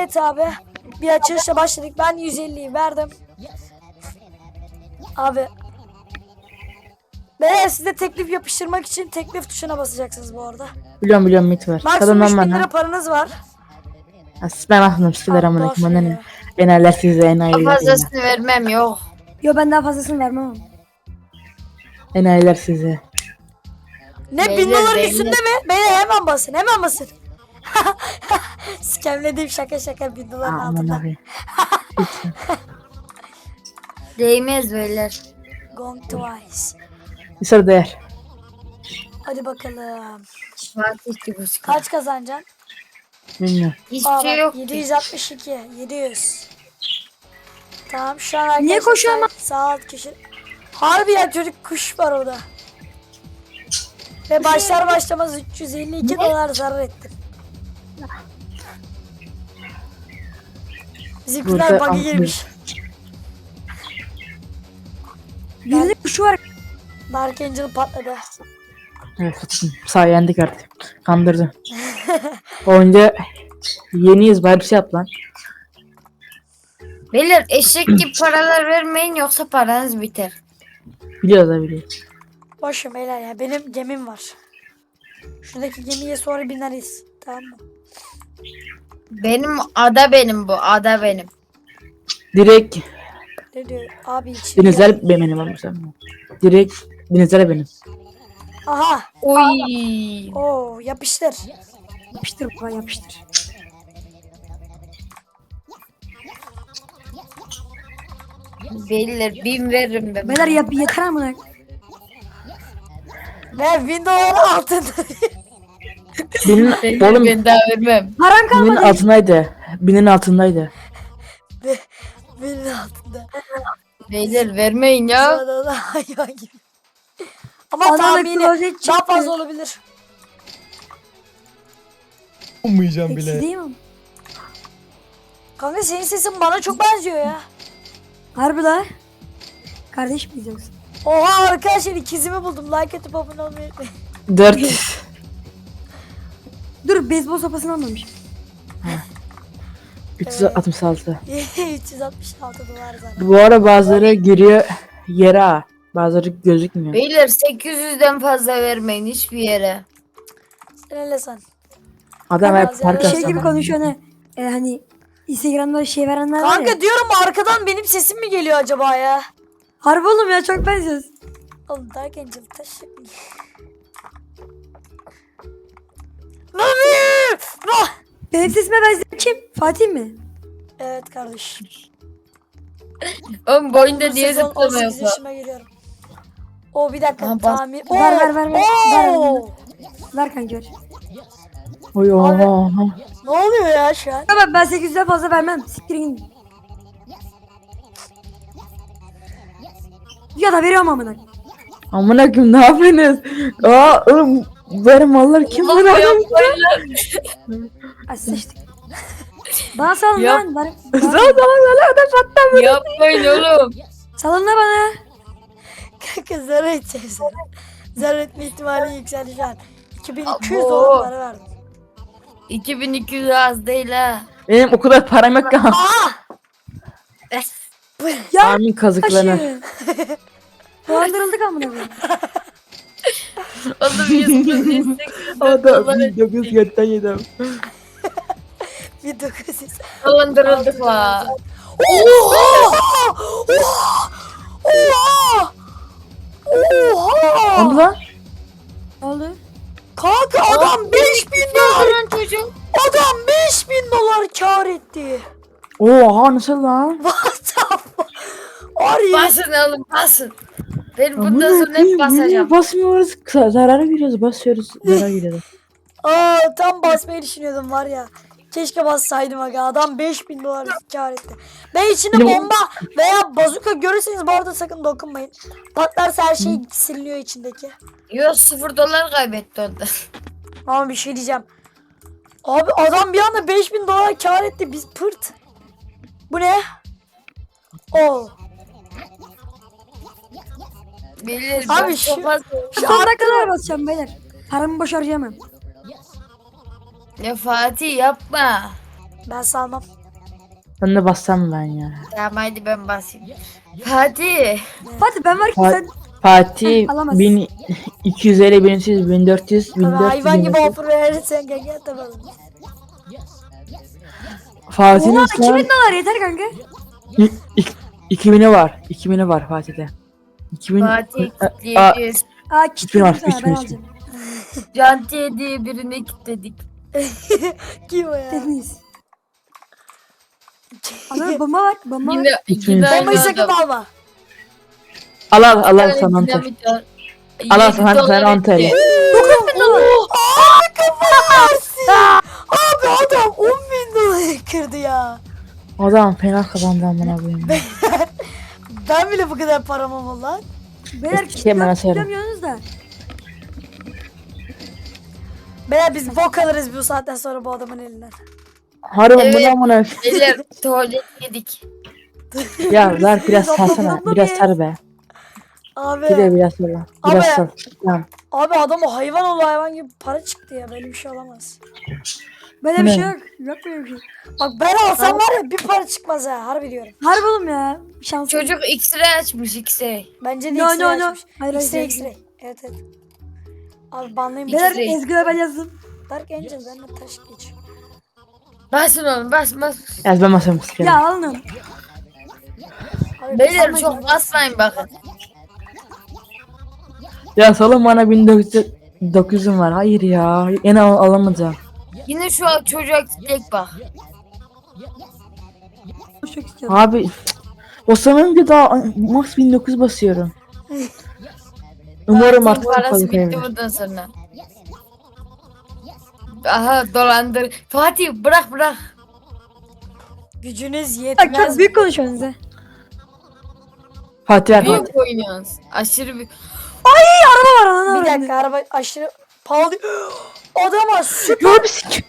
Evet abi. Bir açılışla başladık. Ben 150'yi verdim. Abi. Ve size teklif yapıştırmak için teklif tuşuna basacaksınız bu arada. Biliyorum mit var. Maksimum Kadından 3000 bana. lira paranız var. Ben aklım sikiler Allah amına koyayım. Bana ne? ya. Enayiler size enayiler. Fazlasını vermem yok. Yo ben daha fazlasını vermem. Enayiler size. Ne Beyler, 1000 doların beyler. üstünde mi? Beyler hemen basın. Hemen basın. Skemlediğim şaka 1000 doların Aman altında. abi. Değmez beyler. Gone twice. Bir soru değer. Hadi bakalım. Fatih gibi sıkı. Kaç kazanacaksın? Bilmiyorum. Hiçbir Aa, şey bak, yok. 762. 700. Tamam şu an arkadaşlar Niye koşuyor ama? sağ alt köşe. Harbi ya çocuk kuş var orada. Ve başlar başlamaz 352 dolar zarar ettim. Bizimkiler Burada bug'a altmış. girmiş. Bir de kuşu var. Dark Angel patladı. Evet tuttum. Sayendik artık. Kandırdı. Oyunca yeniyiz bari bir şey yap lan. Beyler eşek gibi paralar vermeyin yoksa paranız biter. Biliyoruz da biliyoruz. Boşum beyler ya benim gemim var. Şuradaki gemiye sonra bineriz. Tamam mı? Benim ada benim bu ada benim. Direkt Ne diyor abi için? denizler benim ama sen. Direkt denizler benim. Aha. Oy. Oo yapıştır. Yapıştır baba yapıştır. Beyler 1000 veririm ben. Beyler yap yeter amına. Ve 1000 dolar altında. Binin, Beyler oğlum ben daha vermem. Param binin kalmadı. altındaydı. Binin altındaydı. Ve 1000 altında. Beyler vermeyin ya. Sırada da hayvan gibi. Ama Adana tahmini klozet daha çıktı. fazla olabilir. Ummayacağım Eksi bile. değil mi? Kanka senin sesin bana çok benziyor ya. Harbi la. Kardeş miyiz yoksa? Oha arkadaşlar ikizimi buldum. Like atıp abone olmayı unutmayın. 4. Dur beyzbol sopasını almamış. 366. 366 dolar zaten. Bu ara bazıları giriyor yere ha. Bazıları gözükmüyor. Beyler 800'den fazla vermeyin hiçbir yere. Sen hele sen. Adam hep Bazı park yerler Şey Tamam. gibi konuşuyor ne? Hani Instagram'da şey verenler var ya. Kanka diyorum arkadan benim sesim mi geliyor acaba ya? Harbi oğlum ya çok benziyoruz. Oğlum Dark Angel taşı. Nami! Ah! Benim sesime benzeyen kim? Fatih mi? Evet kardeşim. Oğlum boyunda Bu niye sezon zıplama 18 yapıyor? yaşıma geliyorum. O bir dakika Aha, bas. tamir. Ver. Oo! Ver kanka ver. Oy oha. Ne oluyor ya şu an? Tamam ben 800'den fazla vermem. Siktirin gidin. Ya da veriyorum amına. Amına koyayım ne yapıyorsunuz? Aa oğlum benim mallar kim Oğlum bana? yapmayın lan. Ay sıçtık. Bana salın Yap. lan. Sağ ol patlam. Yapmayın oğlum. Salın da bana. Kanka zarar edeceğim sana. Zarar etme ihtimali yükseldi şu an. 2200 Abo. dolar para verdim. 2200 az değil ha. Benim o kadar param yok ki. Ya Amin kazıklarına. taşı. Dolandırıldık amına koyayım. Oğlum 100 O da 1900 götten yedim. 1900. dolandırıldık la. Oha! Oha! Oha! Oha! Onu lan. Ne oldu? Kanka adam 5000 dolar. Lan çocuğum. Adam 5000 dolar kar etti. Oha nasıl lan? What the fuck? Var ya. Basın oğlum basın. Ben bundan Amına sonra hep koyayım, basacağım. niye basmıyoruz? Zarara giriyoruz, basıyoruz. Zarara giriyoruz. Aa, tam basmayı düşünüyordum var ya. Keşke bassaydım aga. Adam 5000 dolar kar etti. Ben içinde Benim- bomba veya bazuka görürseniz bu arada sakın dokunmayın. Patlarsa her şey siliniyor içindeki. Yo 0 dolar kaybetti orada. Ama bir şey diyeceğim. Abi adam bir anda 5000 dolar kar etti. Biz pırt. Bu ne? Oo. Bilir. Abi ben şu- çok az- Son dakikalar basacağım beyler. Paramı boş harcayamam. Ya Fatih yapma. Ben salmam. Ben de bassam ben ya. Tamam hadi ben basayım. Fatih. Fatih ben varken Fa- sen Fatih Alamaz. 1250, 1300, 1400, Tabii 1400. hayvan gibi offer verirsen kanka tamam. Fatih'in Oha şu an 2000 dolar yeter kanka. 2000'i var. 2000'i var Fatih'te. 2000 Fatih Aa, kitleyeceğiz. Aa Üç bin var, kitledim sana ben 3000. alacağım. Cantiye diye birine kilitledik. Kim o ya? Dediniz. Adam bomba var. Bomba var. Yine, Bütün- yine aynı Bombayı sakın adam. alma. al Bir tane sana anahtar. dinamit var. Al 7 sana dolar anahtar. etti. 9000 dolar. Aa kafayı yersin. Abi adam 10.000 dolar kırdı ya. Adam fena kazandı amına koyayım. Ben bile bu kadar param olmalı lan. Beyler Hemen açarım. kitlemiyorsunuz da. Beyler biz bok alırız bu saatten sonra bu adamın elinden. Harbi Evet. bunu amına. Beyler tuvalet yedik. Ya ver biraz Toplam salsana. toplam Biraz ye. sar be. Abi. Bir de biraz sar. Biraz Abi. sar. Tamam. Abi adam o hayvan oldu hayvan gibi para çıktı ya. Böyle bir şey olamaz. Böyle bir Ne? şey yok. Yok böyle bir şey. Bak ben alsam var ya bir para çıkmaz ha. Harbi diyorum. Harbi oğlum ya. Şans. Çocuk X-ray açmış X-ray. Bence de No, X-ray no, no. açmış. Hayır, hayır, X-ray hayır. X-ray. Evet evet. Abi banlayayım. Beyler X-ray. Ezgi'ye ben yazdım. Dark Angel benimle taş geç. Basın oğlum bas. Ya ben masamı sikerim. Ya alın. Abi Beyler banlayın. çok basmayın bakın. Ya salın bana 1900'üm var. Hayır ya. Yine alamayacağım. Yine şu an çocuğa kitlek bak. Çok istiyorum. Abi cık, o sanınca daha max 1900 basıyorum. Umarım Fatih'in artık parası fazla bitti kaybeder. bundan sonra. Aha dolandır. Fatih bırak. Gücünüz Bak yetmez. çok büyük konuşuyorsunuz ha. Fatih ver Fatih. Büyük oynuyoruz. Aşırı büyük. Araba var ana Bir dakika araba aşırı pahalı. Adama süper. Ya bir sik.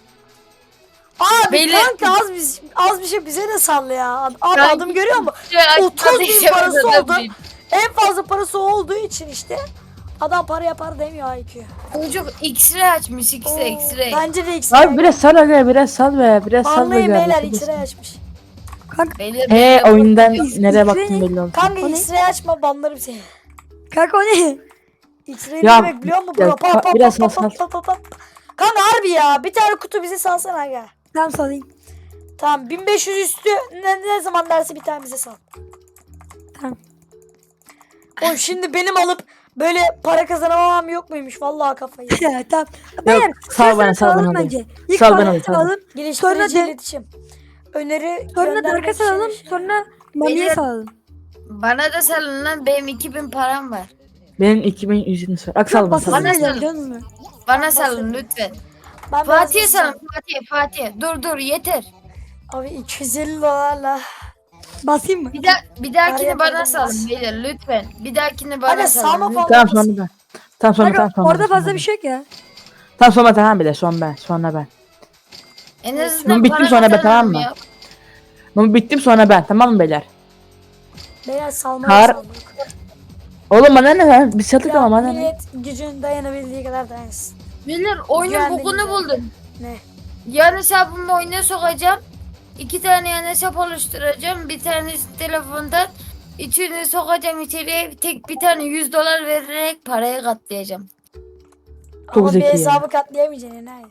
Abi Beyler- kanka az bir şey bize de salla ya. Abi Kanka- adam görüyor musun? Şey, 30 bin açmadı, parası şey, oldu. En fazla parası olduğu için işte adam para yapar demiyor IQ. Çocuk X-ray açmış X-ray. Bence de X-ray. Abi biraz sal aga biraz sal be. Biraz sal be. Anlayın beyler kardeşim. X-ray açmış. Kanka, Beyler, Oyundan X- nereye X-ray baktın ne? belli oldu. Kanka O ne? X-ray açma banlarım seni. kanka o ne? X-ray Ya, ne demek biliyor musun ya, bro? Pa, pa, biraz pa, pa, sal, pa, pa, pa. Kanka harbi ya bir tane kutu bize salsana aga. Tamam salayım. Tamam 1500 üstü ne zaman derse bir tane bize sal. Tamam. Oğlum şimdi benim alıp böyle para kazanamam yok muymuş? Vallahi kafayı. Ya tamam. Beyler sal bana, sırasını sal salalım bana. bence. İlk Sal bana, parayı sal bana. salalım. Geliştirici Sonra de- iletişim. Öneri Sonra göndermek Dark'a için- salalım. Sonra Mami'ye Beyler- salalım. bana da salın lan benim 2000 param var. Benim 2100'üm var. Ak sal bana sal. Basasın Bana geliyor sal. biliyor musun? Bana salın lütfen. Ben Fatih'e biraz- salın Fatih. Dur yeter. Abi 250 dolarla. Basayım mı? Bir dahakini Araya bana koydum, salın bas. beyler lütfen. Bir dahakini Hadi bana salma salın. falan. Tamam sonra ben. Tamam sonra Kanka, tamam. orada fazla bir şey yok ya. Tamam sonra tamam bir de son ben. Sonra ben. En Ben azından bittim para sonra be, kazanalım tamam mı? ya. Ama bittim sonra ben. Tamam mı beyler? Beyler salmaya Kar- saldık. Oğlum bana ne lan? Bir sattık Ya ama bana ne? millet gücün dayanabildiği kadar dayansın. Beyler oyunun Güvendim, bugunu güvendim. buldum. Ne? Yan hesabımı oyuna sokacağım. 2 tane yan hesap oluşturacağım. Bir tanesi telefondan. İçini sokacağım içeriye. Bir tane 100 dolar vererek parayı katlayacağım. Çok Ama bir zeki ya. hesabı katlayamayacaksın enayi.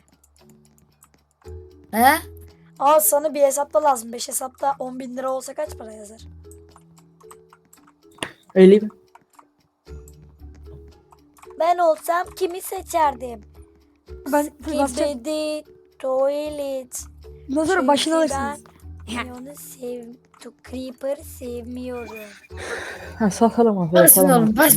He? Al sana bir hesapta lazım. 5 hesapta 10.000 lira olsa kaç para yazar? Öyle mi? Ben olsam kimi seçerdim? Ben basacağım. Skibidi tuvalet. Bundan sonra başını alırsınız. Ben onu Creeper'ı sevmiyorum. Ha salkalım onu. Basın oğlum bas.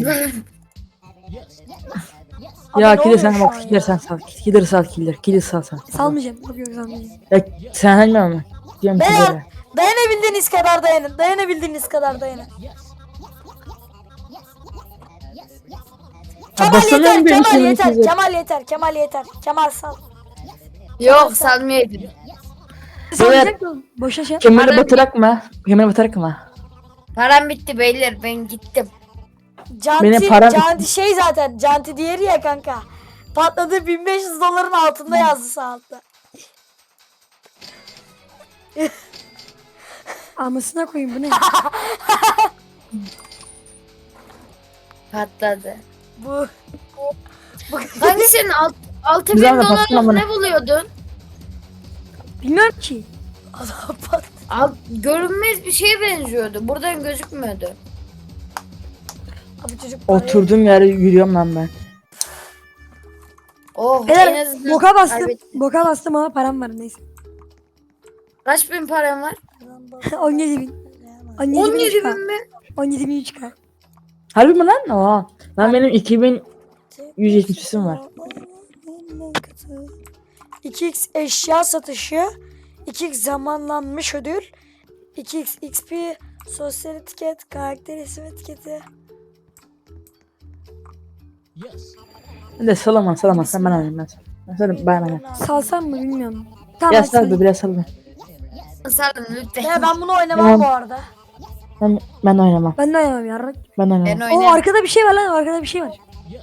Abi Ya ne killer oluyor sen şu bak an killer sen sal. Killer sal killer. Killer sal sen. Salmayacağım. Yok yok salmayacağım. Ya sen hangi mi? Diyorum Beyler killer'e. dayanabildiğiniz kadar dayanın. Dayanabildiğiniz kadar dayanın. Ha Kemal basamıyorum yeter, benim Kemal şeyim yeter, size. Kemal yeter, Kemal yeter. Kemal sal. Yok salmayayım. Salmayacak mı? Boşa şey. Kemeri Bana- batırak mı? Kemeri batırak mı? Param bitti beyler ben gittim. Canti, param- Canti şey zaten, Canti diğeri ya kanka. Patladı 1500 doların altında yazdı sağ altta. Amasına koyayım bu ne? Patladı. Bu. Kanka senin 6000 Güzel de baskın dolarlık amına. ne buluyordun? Bilmiyorum ki. Adam pat. Görünmez bir şeye benziyordu. Buradan gözükmüyordu. Abi çocuk parayı- Oturduğum yere yürüyorum lan ben. Oh en Beyler azından boka bastım. kaybettim. Boka bastım ama param var neyse. Kaç bin param var? 17 bin. 17 bin 17 3K. bin mi? 17 bin 3K. Harbi mi lan? Oha. Lan benim 2170'sim var. 2x eşya satışı, 2x zamanlanmış ödül, 2x XP, sosyal etiket, karakter isim etiketi. Ben de salama sen ben oynayayım ben. Ben söyleyeyim ben. Salsam mı bilmiyorum. Tamam Ya hadi sal söyle. be biraz sal be. Salın lütfen. Ya ben bunu oynamam Tamam. bu arada. Ben oynamam. Ben de oynamam ya. Ben Ben oynamam. O oynarım. arkada bir şey var lan, arkada bir şey var.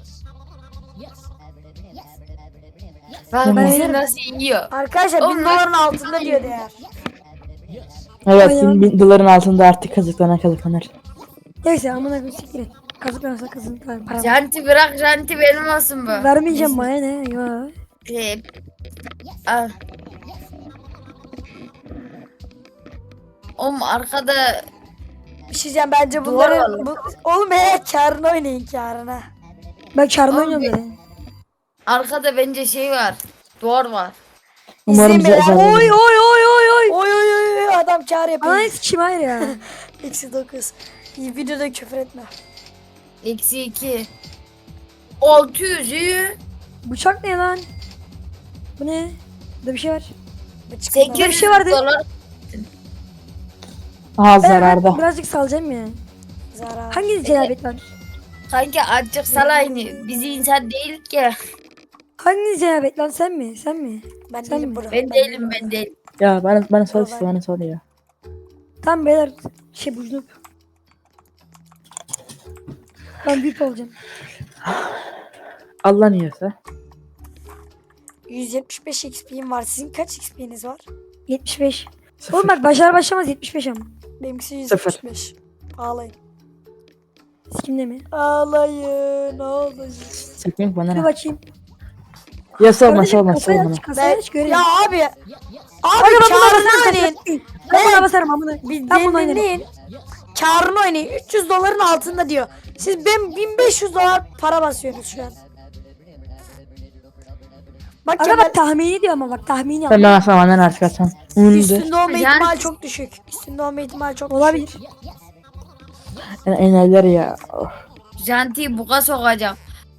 Bak Ben bizi oynarım. nasıl yiyor. Arkadaşlar Oğlum 1000 ben- doların altında diyor değer. Evet Oynamam. 1000 doların altında artık kazıklanır. Neyse amına koyayım siktir et. Kazıklarsa kazıklar para. Janti bırak janti benim olsun bu. Vermeyeceğim bana ne ya. Al. Oğlum arkada Bir şey diyeceğim bence Duvar bunları... Oğlum karına oynayın karına. Ben çarmı Oğlum oynuyorum bir- zaten. arkada bence şey var. Duvar var. Umarım İzleyin beyler. zaten. Oy oy oy oy oy. Oy oy oy oy, adam kar yapıyor. Ananı sikeyim hayır ya. Eksi 9. İyi videoda küfür etme. Eksi 2. 600 iyi. Bıçak ne lan? Bu ne? Burada bir şey var. Bıçık 800 bir şey vardı. dolar. Aha Ben zararda. birazcık salacağım ya. zarar. Hangi cenabet var? Kanka azıcık salayını. Biz insan değilik ki. Hangi cenabet lan, sen mi? Sen mi? Ben Sen değilim mi? bro. Ben değilim ben değilim. Ya bana sal işte bana sal ya. Tamam beyler şey bucunuk. Ben büyük olacağım. Allah niyeyse. 175 XP'm var. Sizin kaç XP'niz var? 75. Sıfır. Oğlum bak başlar başlamaz 75 ama. Benimkisi Sıfır. 175. Ağlayın. Sikimde mi? Ağlayın. Ağlayın. Çekmek bana Bir ne? bakayım. Ya salma Kardeşim, salma kasayı salma. aç, kasayı aç göreyim. Ya abi. Abi Kanka ben buna karını basarım. oynayın. Ben buna basarım amına. Bir Ben bunu oynarım. dinleyin. Karını oynayın. 300 doların altında diyor. Siz ben 1500 dolar para basıyorsunuz şu an. Bak Aga Kemal bak tahmini diyor ama bak tahmini Sen yap. bana sal benden artık atsan. Undu. üstünde olma Yani- ihtimali çok düşük. Üstünde olma ihtimali çok Olabilir. düşük. Enerler ya. Oh. Jantiyi buga sokacağım.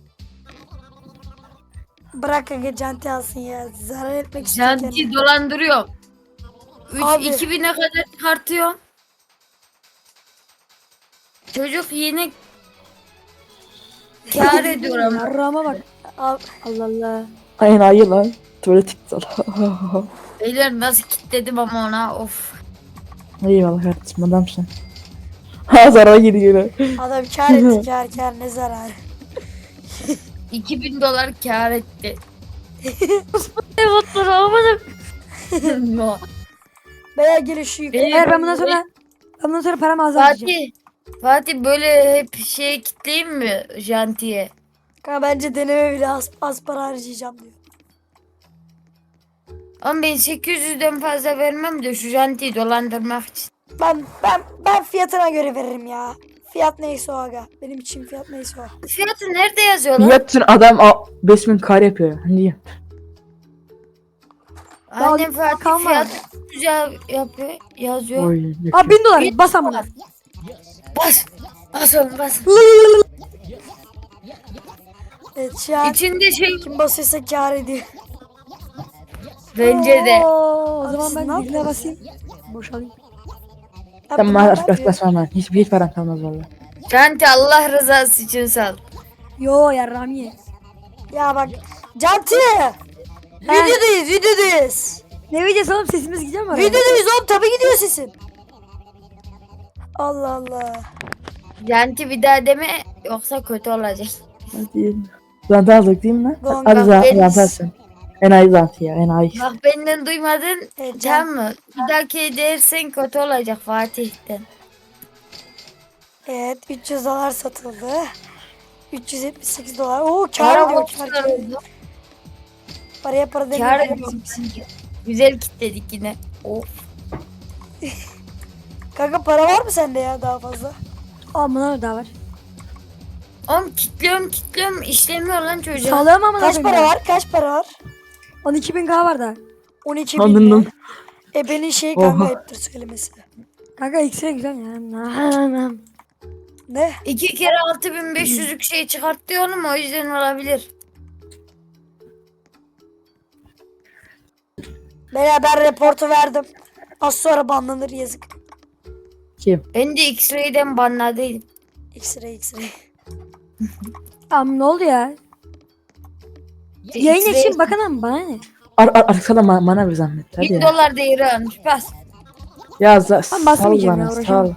Bırak kanka canti alsın ya. Zarar etmek istiyor Janti kendini. dolandırıyor. Abi. 2000'e kadar çıkartıyor. Çocuk yeni kâr ediyor ama. Yarrağıma bak. Al. Allah Allah. Aynen ayı lan. Tuvalet iptal. Beyler nasıl kilitledim ama ona of. Eyvallah kardeşim adamsın. Ha zarar girdi yine. Adam kar etti kar ne zararı. 2000 dolar kâr etti. No. Beyler gelin şu yukarı. Beyler, Eğer ben bundan sonra paramı azaltacağım. Fatih böyle hep şey kitleyeyim mi Janti'ye? Kanka bence deneme bile az para harcayacağım diyor. Ama ben 800'den fazla vermem de şu Janti'yi dolandırmak için. Ben fiyatına göre veririm ya. Fiyat neyse o aga. Benim için fiyat neyse o. Fiyatı nerede yazıyor lan? Yatın adam 5000 kar yapıyor ya. Niye? Annem Fatih kalma. fiyat güzel yapıyor, yazıyor. Oy. Abi 1000 dolar bas amına. Bas. Bas oğlum bas. Evet şu an İçinde şey kim basıyorsa kar ediyor. bence de. Oo, o Abi zaman siz ne ben birine yapıyorsunuz? basayım. Boşalayım. Ya Tamam bunlar ne artık yapıyor? basmam ben. Hiç param kalmaz valla. Janti Allah rızası için sal. Yo yarrağımı ye. Ya bak. Canti. Videodayız. Ne videosu oğlum, sesimiz gidiyor mu oraya? Videodayız oğlum tabii gidiyor sesin. Allah Allah. Janti bir daha deme yoksa kötü olacak. Hadi. Zanta aldık değil mi lan? Doğum Hadi günü zantarsın. Enayi zanti ya enayi. Bak benden duymadın. Can. Tamam mı? Bir dahaki dersen kötü olacak Fatih'ten. Evet 300 dolar satıldı. 378 dolar. Oo Para kar ediyor borçlar kar. oldu. Paraya para Kar demiyor. ediyorum sanki. Güzel kitledik yine. Of. Kanka para var mı sende ya daha fazla? Aa bunlar daha var. Oğlum kitliyorum işlemiyor lan çocuğa. Sağlıyorum ama Kaç para var? Kaç para var? 12.000K var da. 12 bin Anladım. mi? Benim şey kanka Oha. ayıptır söylemesi. Kanka X-ray güzel ya. Ne? 2 kere 6500'lük şey çıkarttı oğlum o yüzden olabilir. Ben reportu verdim. Az sonra banlanır yazık. Kim? Ben de X-Ray'den banladıydım. X-ray X-ray. Am ne oldu ya? Yayın için bakın ama bana ne? Arkada bana bir zahmet. Hadi 1000 ya. dolar değeri almış bas. Ya Ben sal basmayacağım ya, bana sal. uğraşamam.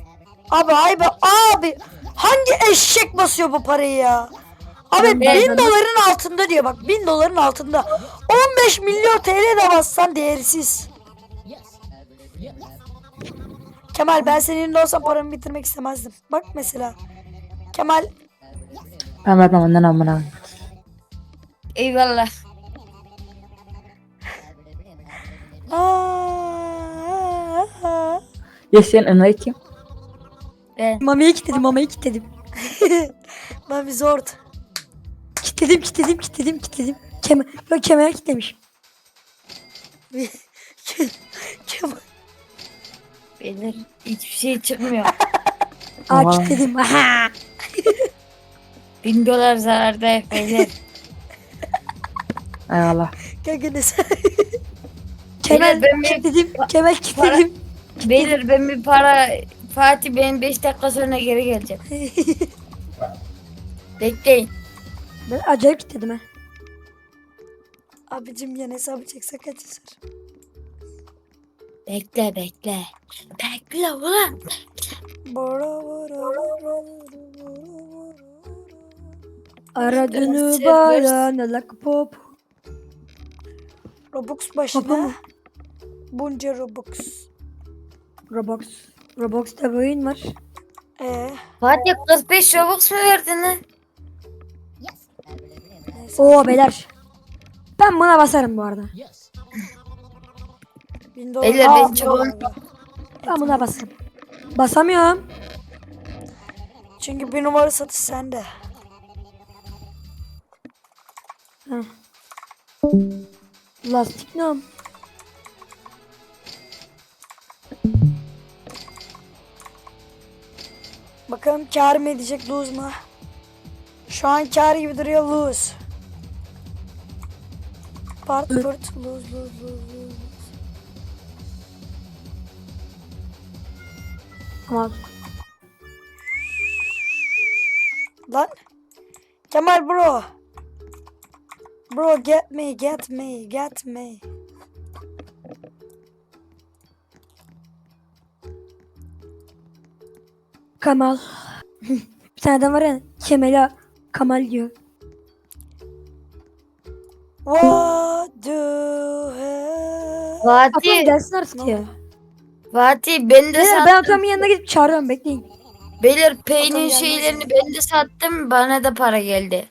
Abi hangi eşek basıyor bu parayı ya? Abi Ben- 1000 doların altında diyor bak 1000 doların altında. 15 milyon TL de bassan değersiz. Kemal ben senin yerinde olsam paramı bitirmek istemezdim. Bak mesela. Kemal Ben vermem annen amına. Eyvallah. Aa, Ya sen enayi kim? Ben. Mami'yi kilitledim. ben bir zord. Kilitledim. Kemal kilitlemiş. Kemal. Beyler hiçbir şey çıkmıyor. Aa Vay. kilitledim. Aha. 1000 dolar zararda beyler. Eyvallah. Kanka ne sen? Kemal ben bir- kilitledim. Beyler ben bir para Fatih benim 5 dakika sonra geri geleceğim. Bekleyin. Ben acayip kilitledim ha. Abicim yan hesabı çekse kaç yazar? Bekle. Bekle ulan. Aradığını Server- bana like pop. Robux Papa başına. mı? Bunca Robux. Roblox'ta bir oyun var. Fatih 45 Robux mu verdin lan? Neyse. Oo beyler. Ben buna basarım bu arada. 1000 dolar. Beyler, ben Aa, çok- Ben buna basarım. Basamıyorum. Çünkü bir numara satış sende. Heh. Lastik ne? Bakalım kar mı edecek lose mu? Şu an kar gibi duruyor lose. Part pırt lose. Ama Lan. Kemal bro. Bro get me. Kamal. Bir tane adam var ya Kemal'a Kamal diyor. What do have? Atam Fatih, gelsin artık ya. Fatih ben de Beyler ben sattım. Atam'ın yanına gidip çağırıyorum bekleyin. Beyler Atam peynir gelmez şeylerini mi? ben de sattım. Bana da para geldi.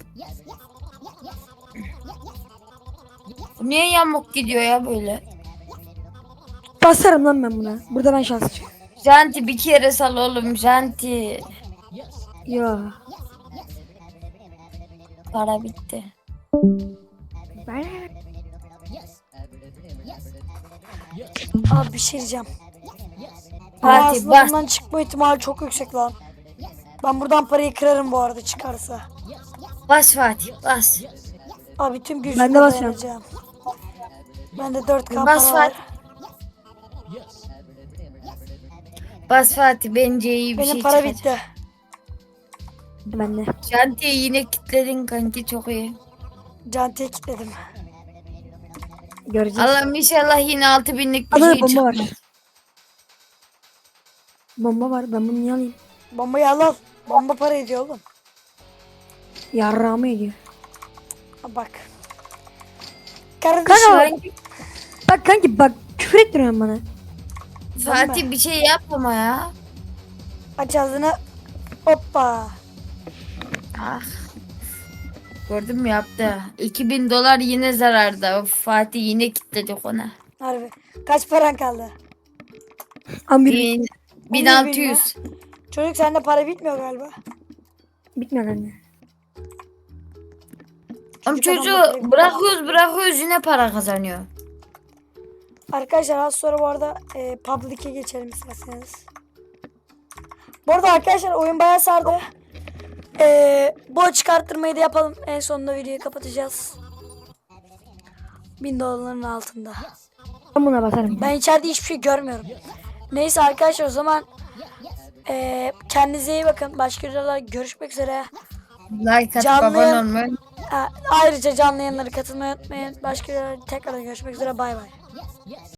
Bu niye yamuk gidiyor ya böyle? Basarım lan ben buna. Burada ben şanslı. Janti bir kere sal oğlum Janti. Yo. Para bitti. Abi bir şey diyeceğim. Fatih Aslında bas. bundan çıkma ihtimali çok yüksek lan. Ben buradan parayı kırarım bu arada çıkarsa. Bas Fatih bas. Abi tüm Ben gücümle de basıyorum. dayanacağım. Bende 4K Bas para var. Fatih. Bas Fatih bence iyi bir Benim şey para çıkacak. bitti. Ben de. Janti'yi yine kilitledin kanki çok iyi. Cantiye kilitledim. Göreceğiz. Allah'ım inşallah yine 6000'lik bir Adada şey bomba var. çıkar. Bomba var. Ben bunu niye alayım? Bombayı al. Bomba para ediyor oğlum. Yarrağımı ediyor. Ha, bak. Kardeşim. Kanka bak kanki bak küfür ettiriyorsun bana. Fatih bir şey yapma ya. Aç ağzını. Hoppa. Ah. Gördün mü yaptı. 2000 dolar yine zararda. Of, Fatih yine kilitledik ona. Harbi. Kaç paran kaldı? Amir 1600. Çocuk sende para bitmiyor galiba. bitmiyor kanka. Ama Çocuk çocuğu adamla bırakıyoruz yine para kazanıyor. Arkadaşlar az sonra bu arada Public'e geçelim isterseniz. Bu arada arkadaşlar oyun bayağı sardı. Bu çıkarttırmayı da yapalım. En sonunda videoyu kapatacağız. 1000 doların altında. Ben buna basarım. Ben içeride hiçbir şey görmüyorum. Neyse arkadaşlar o zaman kendinize iyi bakın. Başka videolarda görüşmek üzere. Like atıp Canlı abone yayın- olmayı Ayrıca canlı yayınlara katılmayı unutmayın. Başka videolarda tekrar görüşmek üzere. Bay bay.